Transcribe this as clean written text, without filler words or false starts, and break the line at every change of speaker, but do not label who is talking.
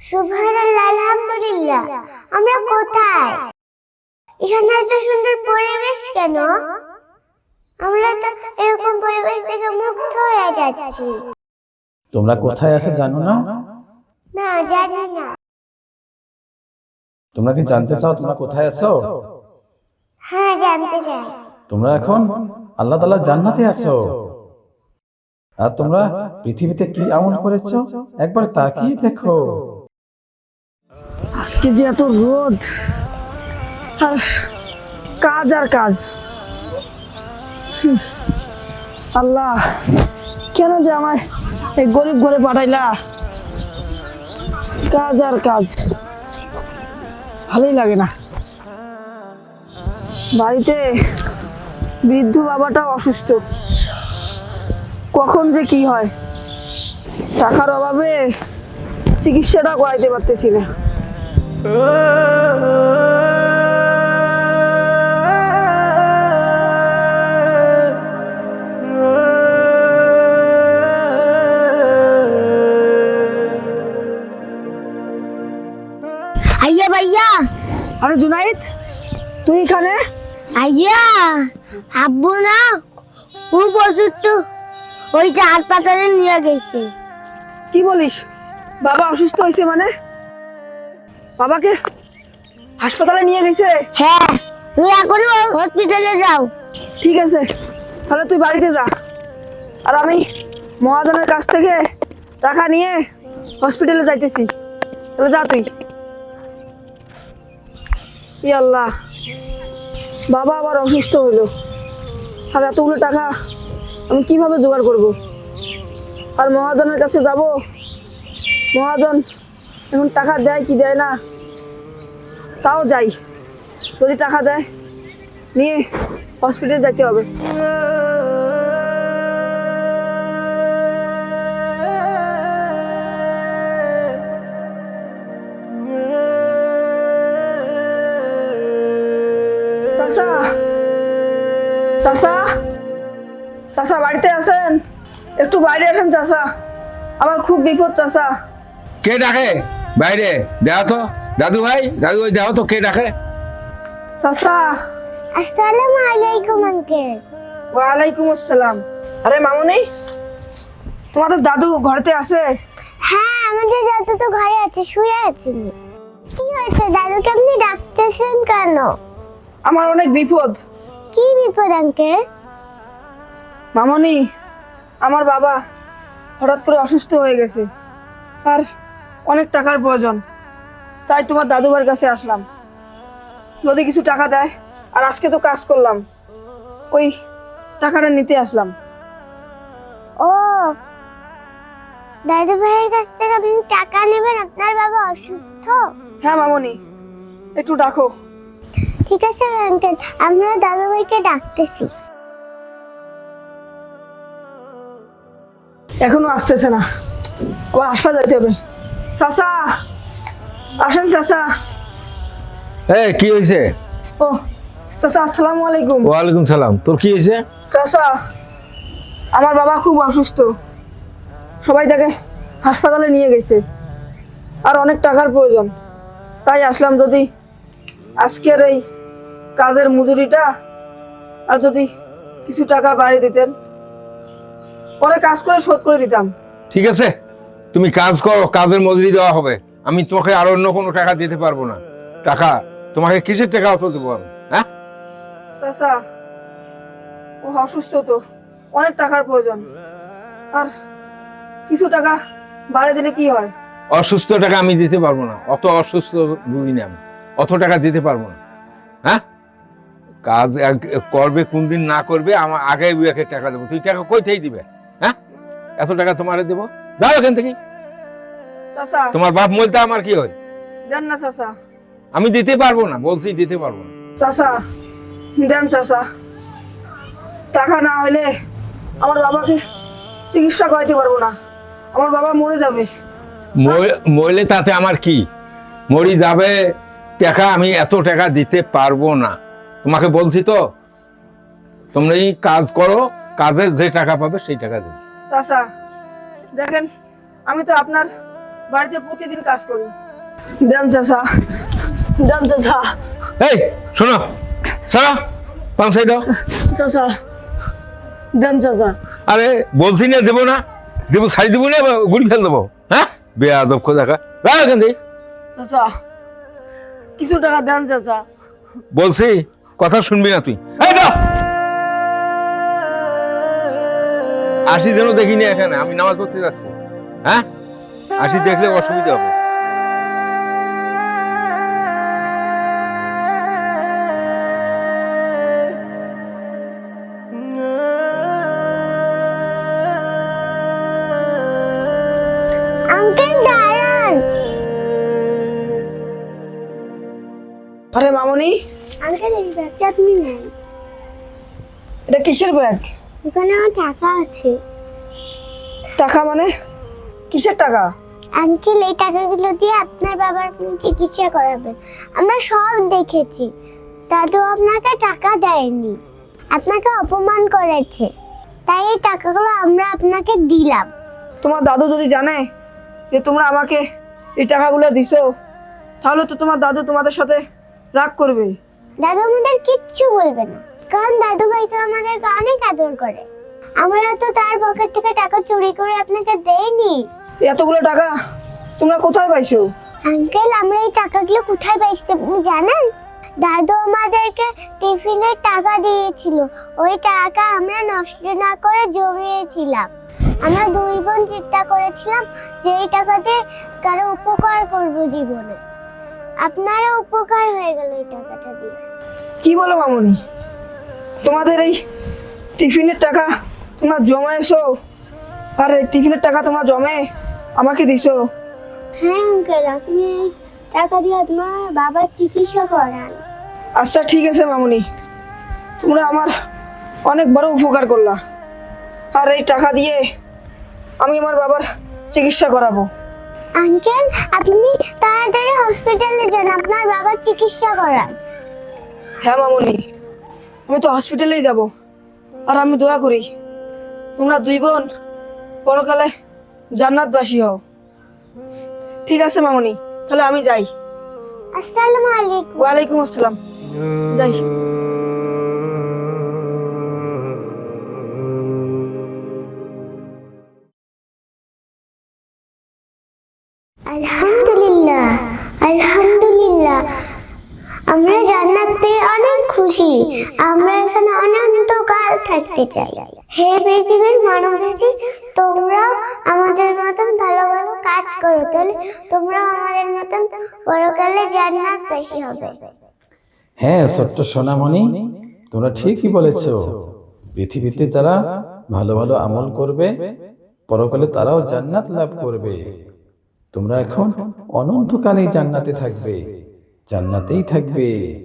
সুবহানাল্লাহ, আলহামদুলিল্লাহ। আমরা কোথায়? এখানে এত সুন্দর পরিবেশ কেন? আমরা তো এরকম পরিবেশ দেখে মুগ্ধ হয়ে যাচ্ছি।
তোমরা কোথায় আছো জানো না?
না, জানি না।
তোমরা কি জানতে চাও তোমরা কোথায় আছো?
হ্যাঁ, জানতে চাই।
তোমরা এখন আল্লাহ তাআলার জান্নাতে আছো। আর তোমরা পৃথিবীতে কি আমল করেছো একবার তাকিয়ে দেখো।
আজকে যে এত রোদ আর কাজ আর কাজ। আল্লাহ, কেন যে আমায় এই গরিব ঘরে পাঠাইলা? কাজ আর কাজ, ভালোই লাগে না। বাড়িতে বৃদ্ধ বাবাটা অসুস্থ, কখন যে কি হয়, টাকার অভাবে চিকিৎসাটা করাইতে পারতেছি না।
আইয়া ভাইয়া।
আরে জুনাইদ, তুই এখানে?
আইয়া, আব্বু না ও বসুরটা ওই যে হাসপাতালে নিয়ে গেছে।
কি বলিস? বাবা অসুস্থ হয়েছে মানে? বাবাকে হাসপাতালে নিয়ে গেছে?
হ্যাঁ, তুমি এখনই হসপিটালে যাও।
ঠিক আছে, তাহলে তুই বাড়িতে যা, আর আমি মহাজনের কাছ থেকে টাকা নিয়ে হসপিটালে যাইতেছি। তাহলে যা তুই। ই আল্লাহ, বাবা আবার অসুস্থ হইলো, আর এতগুলো টাকা আমি কিভাবে জোগাড় করব? আর মহাজনের কাছে যাব, মহাজন এখন টাকা দেয় কি দেয় না, তাও যাই। যদি টাকা দেয় নিয়ে হসপিটালে যাইতে হবে। চাচা, চাচা, চাচা বাড়িতে আছেন? একটু বাইরে আসেন চাচা, আমার খুব বিপদ চাচা।
কে ডাকে বাইরে? দেও তো দাদু ভাই, দেও তো কে ডাকে।
চাচা।
আসসালামু আলাইকুম আঙ্কেল।
ওয়ালাইকুম আসসালাম। আরে মামুনি, তোমাদের দাদু ঘরেতে আছে?
হ্যাঁ, আমাদের দাদু তো ঘরে আছে, শুয়ে আছেন। কি হয়েছে? দাদুকে আপনি ডাকতেছেন কেন?
আমার অনেক বিপদ।
কি বিপদ আঙ্কেল?
মামুনি, আমার বাবা হঠাৎ করে অসুস্থ হয়ে গেছে, আর অনেক টাকার প্রয়োজন, তাই তোমার দাদু ভাইয়ের কাছে আসলাম। যদি কিছু টাকা দেয়, আর আজকে তো কাজ করলাম, ওই টাকাটা নিতে আসলাম।
ও, দাদু ভাইয়ের কাছ থেকে আপনি টাকা নেবেন? আপনার বাবা অসুস্থ?
হ্যাঁ মামুনি, একটু ডাকো।
ঠিক আছে আঙ্কেল, আমরা দাদু ভাইকে ডাকতেছি।
এখনো আসতেছে না, আবার হাসপাতাল যেতে হবে। চাচা আসেন চাচা।
কি হয়েছে?
ও চাচা, আসসালামু আলাইকুম।
ওয়ালাইকুম সালাম। তোর কি হয়েছে?
চাচা, আমার বাবা খুব অসুস্থ, সবাই তাকে হাসপাতালে নিয়ে গেছে, আর অনেক টাকার প্রয়োজন, তাই আসলাম। যদি আজকের এই কাজের মজুরিটা আর যদি কিছু টাকা বাড়িয়ে দিতেন, পরে কাজ করে শোধ করে দিতাম।
ঠিক আছে, তুমি কাজ করো, কাজের মজুরি দেওয়া হবে। আমি তোমাকে আর অন্য কোনো টাকা দিতে পারবো না। টাকা তোমাকে কিসের টাকা অত দেবো আমি? হ্যাঁ
চাচা, ও অসুস্থ তো, অনেক টাকার প্রয়োজন, আর কিছু টাকা বাড়িয়ে দিলে কি হয়?
অসুস্থ টাকা আমি দিতে পারবো না, অত অসুস্থ বুঝি না আমি, অত টাকা দিতে পারবো না। হ্যাঁ, কাজ করবে কোন দিন না করবে, আমার আগে বুয়াকে টাকা দেবো। তুই টাকা কই থেকে দিবে? হ্যাঁ, এত টাকা তোমারে দেবো? যাও এখান থেকে।
চাচা
তোমার বাপ মলতে আমার কি হয়?
দেন না চাচা।
আমি দিতে পারবো না, বলছি দিতে পারবো না।
চাচা দেন চাচা, টাকা না হলে আমার বাবাকে চিকিৎসা করাইতে পারবো না, আমার বাবা মরে যাবে।
মরলে তাতে আমার কি? মরি যাবে, টাকা আমি এত টাকা দিতে পারবো না। তোমাকে বলছি তো, তোমরা এই কাজ করো, কাজের যে টাকা পাবে সেই টাকা দেবে।
চাচা দেখেন, আমি তো আপনার বাড়িতে প্রতিদিন কাজ করি। দেন চাচা, দেন চাচা।
এই শোনো, সারা পাঁচাই দাও।
চাচা দেন চাচা।
আরে বলছি না দেবো না, দেবো ছাড়ি দেবো না, গুড়ি ফেল দেবো। হ্যাঁ বেয়াদব খোদাকা, রাখ এখান থেকে।
চাচা কিছু টাকা দেন চাচা।
বলছি কথা শুনবি না তুই। এই দাও। আসি যেন দেখিনি এখানে, আমি নামাজ পড়তে যাচ্ছি। হ্যাঁ আসি দেখলে অসুবিধা হবে।
আঙ্কেল দাঁড়ান।
আরে মামনি,
আঙ্কেল এই ব্যাগটা আপনি নেন।
এটা কিসের ব্যাগ?
এখানে আমার টাকা আছে।
টাকা মানে কিসের টাকা?
আঙ্কেল এই টাকাগুলো দিয়ে আপনার বাবার চিকিৎসা করাবেন। আমরা সব দেখেছি, দাদু আপনাকে টাকা দেয়নি, আপনাকে অপমান করেছে, তাই এই টাকাগুলো আমরা আপনাকে দিলাম।
তোমার দাদু যদি জানে যে তোমরা আমাকে এই টাকাগুলো দিছো, তাহলে তো তোমার দাদু তোমাদের সাথে রাগ করবে।
দাদু আমাদের কিচ্ছু বলবে না, কারণ দাদু ভাই তো আমাদেরকে অনেক আদর করে। আমরা তো তার পকেট থেকে টাকা চুরি করে আপনাকে দেইনি।
এতগুলো টাকা তোমরা কোথায় পাইছো?
আঙ্কেল আমরা এই টাকাগুলো কোথায় পাইছি আপনি জানেন? দাদু আমাদেরকে টিফিনের টাকা দিয়েছিল, ওই টাকা আমরা নষ্ট না করে জমিয়েছিলাম। আমরা দুই বোন চিন্তা করেছিলাম যে এই টাকা দিয়ে কারো উপকার করব জীবনে। আপনারও উপকার হয়ে গেল এই টাকাটা দিয়ে।
কি বলো মামনি, তোমাদের এই টিফিনের টাকা তোমরা জমাইছো, আর এই টিফিনের টাকা তোমরা জমে আমাকে দিছো?
হ্যাঁ আঙ্কেল, আপনি এই টাকা দিয়ে আপনার বাবার চিকিৎসা করান।
আচ্ছা ঠিক আছে মামনি, তোমরা আমার অনেক বড় উপকার করলা, আর এই টাকা দিয়ে আমি আমার বাবার চিকিৎসা করাবো।
আঙ্কেল আপনি তাড়াতাড়ি হসপিটালে যান, আপনার বাবার চিকিৎসা করান।
হ্যাঁ মামনি, আমি তো হসপিটালেই যাব, আর আমি দোয়া করি তোমরা দুই বোন পরকালে জান্নাতবাসী হও। ঠিক আছে মামনি, তাহলে আমি যাই।
আসসালামু আলাইকুম।
ওয়ালাইকুম আসসালাম, যাই।
আলহামদুলিল্লাহ, আলহামদুলিল্লাহ, আমরা জান্নাতে অনেক খুশি। আমরা এখানে অনন্তকাল থাকতে চাই। হে পৃথিবীর মানবজাতি, তোমরাও আমাদের মতন ভালো ভালো কাজ করো, তাহলে তোমরাও আমাদের মতন পরকালে জান্নাতবাসী হবে।
হ্যাঁ ছোট্ট সোনামণি, তোমরা ঠিকই বলেছো। পৃথিবীতে যারা ভালো ভালো আমল করবে, পরকালে তারাও জান্নাত লাভ করবে। তোমরা এখন অনন্তকালেই জান্নাতে থাকবে, জান্নাতেই থাকবে।